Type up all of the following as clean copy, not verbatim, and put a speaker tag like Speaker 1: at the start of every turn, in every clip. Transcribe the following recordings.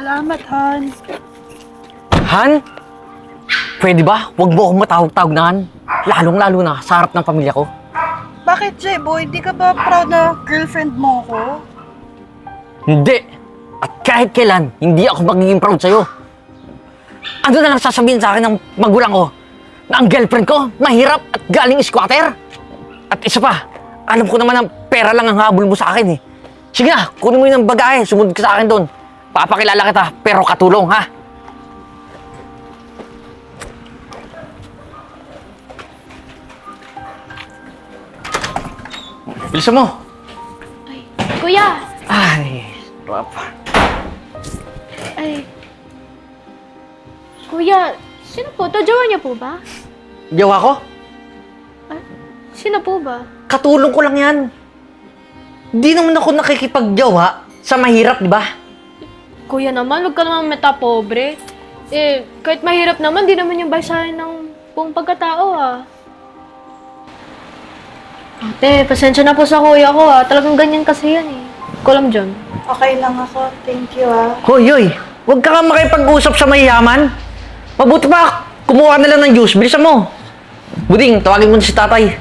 Speaker 1: Salamat, Han.
Speaker 2: Han? Pwede ba? Huwag mo akong matawag-tawag na Han. Lalong-lalo na sa harap ng pamilya ko.
Speaker 1: Bakit, J-Boy? Di ka ba proud na girlfriend mo ko?
Speaker 2: Hindi! At kahit kailan, hindi ako magiging proud sa'yo. Ano na lang sasabihin sa akin ng magulang ko? Na ang girlfriend ko, mahirap at galing squatter? At isa pa, alam ko naman ang pera lang ang habol mo sa akin eh. Sige na, kunin mo yun ng bagahe, sumunod ka sa akin doon. Papakilala kita, pero katulong ha? Bilisan mo!
Speaker 3: Ay, kuya!
Speaker 2: Ay, papa.
Speaker 3: Ay. Kuya, sino po to? Jowa niya po ba?
Speaker 2: Jowa ko?
Speaker 3: Ay, sino po ba?
Speaker 2: Katulong ko lang yan. Di naman ako nakikipagjowa sa mahirap, di ba?
Speaker 3: Kuya naman, wag ka naman meta-pobre. Eh, kahit mahirap naman, di naman yung basahin ng buong pagkatao ah. Ate, pasensya na po sa kuya ko ah. Talagang ganyan kasi yan eh. Kulam dyan.
Speaker 1: Okay lang ako. Thank you,
Speaker 2: Hoy, hoy! Huwag ka makipag-usap sa mayayaman. Mabuti pa, kumuha na lang ng juice. Bilisan mo. Buding, tawagin mo na si tatay.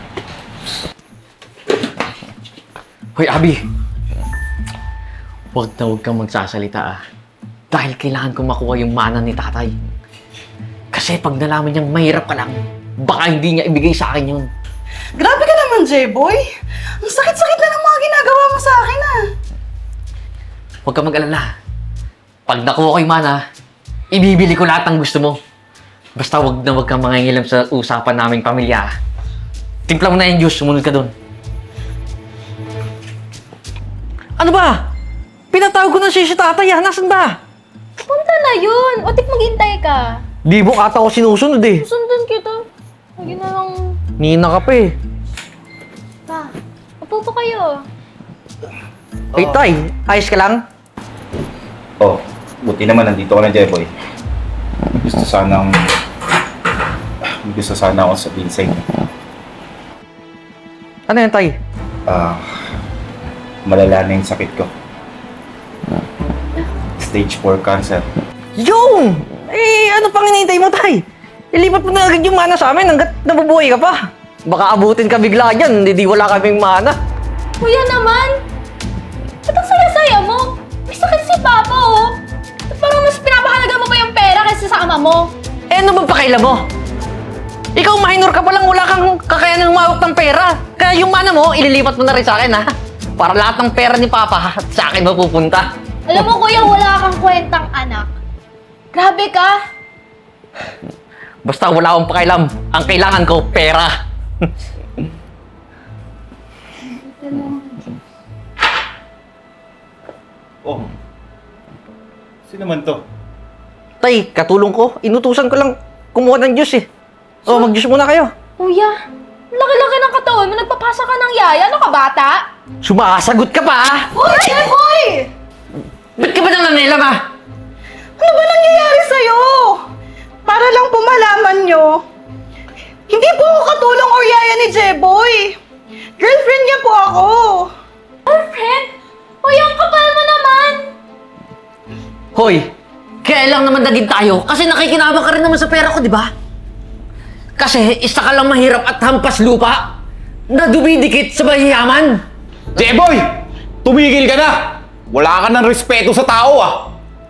Speaker 2: Hoy, Abi. Huwag na huwag kang magsasalita ah. Dahil kailangan ko makuha yung mana ni tatay. Kasi pag nalaman niyang mahirap ka lang, baka hindi niya ibigay sa akin yun.
Speaker 1: Grabe ka naman, J-Boy. Ang sakit-sakit na ng mga ginagawa mo sa akin,
Speaker 2: Huwag kang mag-alala. Pag nakuha ko yung mana, ibibili ko lahat ng gusto mo. Basta huwag na huwag kang mangingilam sa usapan naming pamilya. Timpla mo na yung juice, sumunod ka doon. Ano ba? Pinatawag ko na si tatay ah. Nasaan ba?
Speaker 3: Punta na yun! Otik maghintay ka.
Speaker 2: Di mo ata ako sinusunod eh.
Speaker 3: Sundan kita. Lagi na lang.
Speaker 2: Nina ka pa eh.
Speaker 3: Pa, upo po kayo.
Speaker 2: Ay tay, ayos ka lang?
Speaker 4: Oh, buti naman nandito ka na, Jeboy. Gusto sana ako sabihin sa inyo.
Speaker 2: Ano yan tay?
Speaker 4: Malala na yung sakit ko. Stage 4 cancer.
Speaker 2: Yung! Eh, ano pang hinihintay mo tay? Ilipat mo na agad yung mana sa amin hanggat nabubuhay ka pa. Baka abutin ka bigla dyan, hindi wala kaming mana.
Speaker 3: Kuya naman! Ba't ang saya-saya mo? May sakit si Papa, oh! Parang mas pinapahalaga mo pa yung pera kaysa sa ama mo.
Speaker 2: Eh, ano bang pakailan mo? Ikaw minor ka pa lang, wala kang kakayanang umawak ng pera. Kaya yung mana mo, ililipat mo na rin sa akin ha. Para lahat ng pera ni Papa sa akin mapupunta.
Speaker 3: Alam mo, kuya, wala kang kwentang anak. Grabe ka!
Speaker 2: Basta wala akong pakialam. Ang kailangan ko, pera.
Speaker 4: Oh, sino man to?
Speaker 2: Tay, katulong ko. Inutusan ko lang kumuha ng juice eh. Oh, mag-juice muna kayo.
Speaker 3: Kuya, laki-laki ng katawan mo. Nagpapasa ka ng yaya. Ano ka, bata?
Speaker 2: Sumasagot ka pa ah!
Speaker 3: Uy! Hoy!
Speaker 2: Ba't ka ba nangangilam ah?
Speaker 1: Ano ba nangyayari sa'yo? Para lang po malaman nyo, hindi po ako katulong or yaya ni J-Boy. Girlfriend niya po ako.
Speaker 3: Girlfriend? Uy, ang kapal mo naman!
Speaker 2: Hoy, kaya lang naman naging tayo kasi nakikinabang ka rin naman sa pera ko, di ba? Kasi isa ka lang mahirap at hampas lupa na dumidikit sa mayayaman.
Speaker 5: Jeboy! Tumigil ka na! Wala ka ng respeto sa tao ah!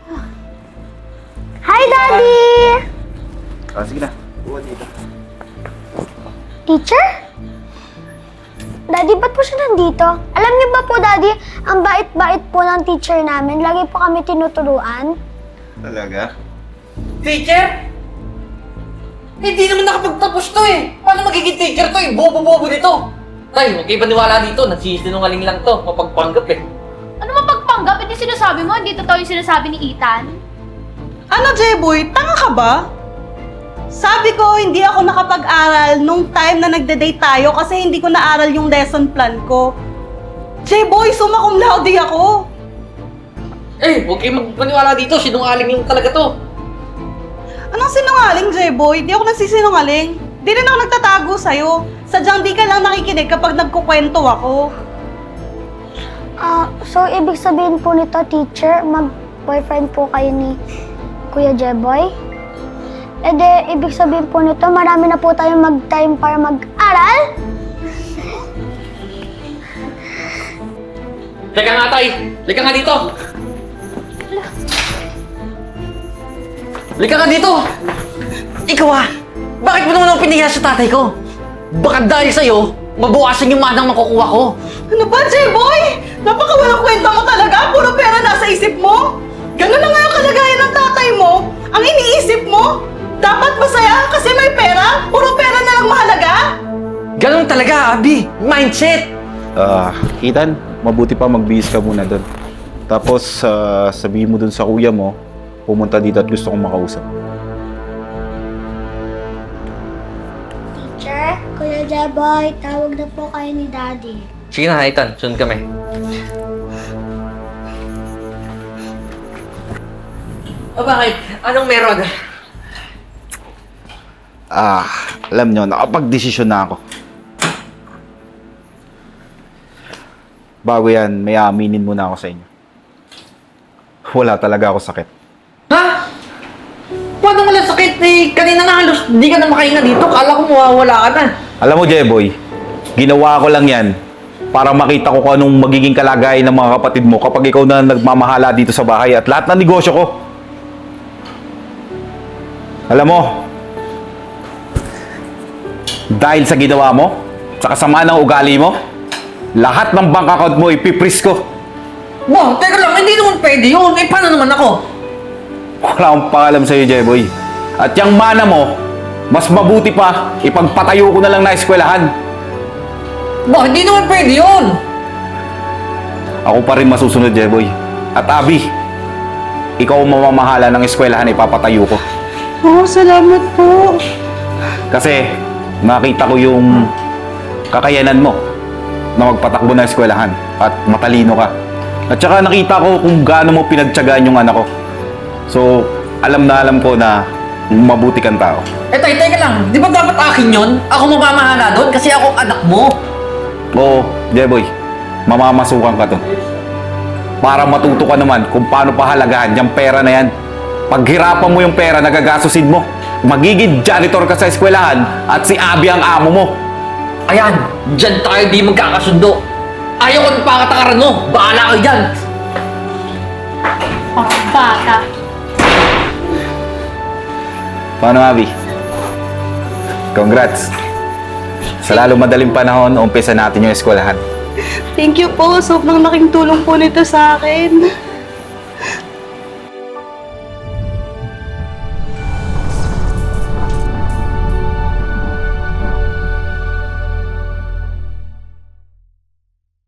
Speaker 6: Hi, Daddy!
Speaker 4: Sige na. Buwan dito.
Speaker 6: Teacher? Daddy, ba't po siya nandito? Alam niyo ba po, Daddy, ang bait-bait po ng teacher namin. Lagi po kami tinuturuan.
Speaker 4: Talaga?
Speaker 2: Teacher? Hindi naman nakapagtapos to eh. Paano magiging teacher to eh? Bobo-bobo nito. Tay, huwag kayo paniwala dito. Nagsisinungaling lang to. Mapagpanggap eh.
Speaker 3: Ano mapagpanggap? Hindi sinasabi mo? Hindi totoo yung sinasabi ni Ethan?
Speaker 1: Ano, J-Boy? Tanga ka ba? Sabi ko, hindi ako nakapag-aral nung time na nagde-date tayo kasi hindi ko naaral yung lesson plan ko. J-Boy, summa cum laude ako.
Speaker 2: Eh, huwag kayo magpaniwala dito. Sinungaling lang talaga to.
Speaker 1: Anong sinungaling, J-Boy? Di ako nagsisinungaling. Di rin ako nagtatago sa'yo. Sadyang di ka lang nakikinig kapag nagkukwento ako.
Speaker 6: So ibig sabihin po nito, teacher, boyfriend po kayo ni Kuya Jeboy? E de, ibig sabihin po nito, marami na po tayong mag-time para mag-aral?
Speaker 2: Teka nga, Tay! Lika nga dito! Lika nga dito! Ikaw bakit mo naman ako pinihiya sa tatay ko? Baka dahil sa'yo, mabawasan yung manang makukuha ko.
Speaker 1: Ano ba, J-Boy? Napakawalang kwenta mo talaga. Puro pera nasa isip mo. Ganun na nga yung kalagayan ng tatay mo. Ang iniisip mo, dapat masaya kasi may pera. Puro pera na lang mahalaga.
Speaker 2: Ganun talaga, Abi. Mindset!
Speaker 5: Ethan, mabuti pa magbihis ka muna doon. Tapos, sabihin mo doon sa kuya mo, pumunta dito at gusto kong makausap.
Speaker 6: Teacher, Kuya Jeboy, tawag na po kayo ni Daddy.
Speaker 2: Sige na, Ethan. Sunod kami. O bakit? Anong meron?
Speaker 5: Alam nyo, nakapag-desisyon na ako. Bago yan, may aminin muna ako sa inyo. Wala talaga ako sakit.
Speaker 2: Ha? Paano wala sakit? Kanina na halos hindi ka na makahinga dito. Kala ko mawawala ka na.
Speaker 5: Alam mo, Jeboy, ginawa ko lang yan para makita ko kung anong magiging kalagayan ng mga kapatid mo kapag ikaw na nagmamahala dito sa bahay at lahat ng negosyo ko. Alam mo, dahil sa ginawa mo, sa kasama ng ugali mo, lahat ng bank account mo ipipris ko.
Speaker 2: Wow, teka lang, hindi naman pwede yun. Paano naman ako?
Speaker 5: Wala akong pakalam sa'yo, Jeboy. At yung mana mo, mas mabuti pa, ipagpatayo ko na lang na eskwelahan.
Speaker 2: Wow, hindi naman pwede yun.
Speaker 5: Ako pa rin masusunod, Jeboy. At Abi, ikaw ang mamamahala ng eskwelahan, ipapatayo ko.
Speaker 1: Oh, salamat po.
Speaker 5: Kasi nakita ko yung kakayanan mo na magpatakbo ng eskwelahan at matalino ka. At saka nakita ko kung gaano mo pinagtiyagaan yung anak ko. So, alam ko na mabuti kang tao.
Speaker 2: Tay, teka lang. Di ba dapat akin yun? Ako mamamahala doon kasi ako anak mo.
Speaker 5: Oo, Jeboy, mamamasukan ka to. Para matuto ka naman kung paano pahalagahan yung pera na yan. Paghirapan mo yung pera, nagagastusin mo. Magiging janitor ka sa eskwelahan at si Abi ang amo mo.
Speaker 2: Ayan, dyan tayo di magkakasundo. Ayaw ko ng pakatakaran mo. Bahala kayo dyan.
Speaker 3: Parang bata.
Speaker 5: Paano, Abi? Congrats. Sa lalo madaling panahon, umpisa natin yung eskwelahan.
Speaker 1: Thank you po. Sobrang laking tulong po nito sa akin.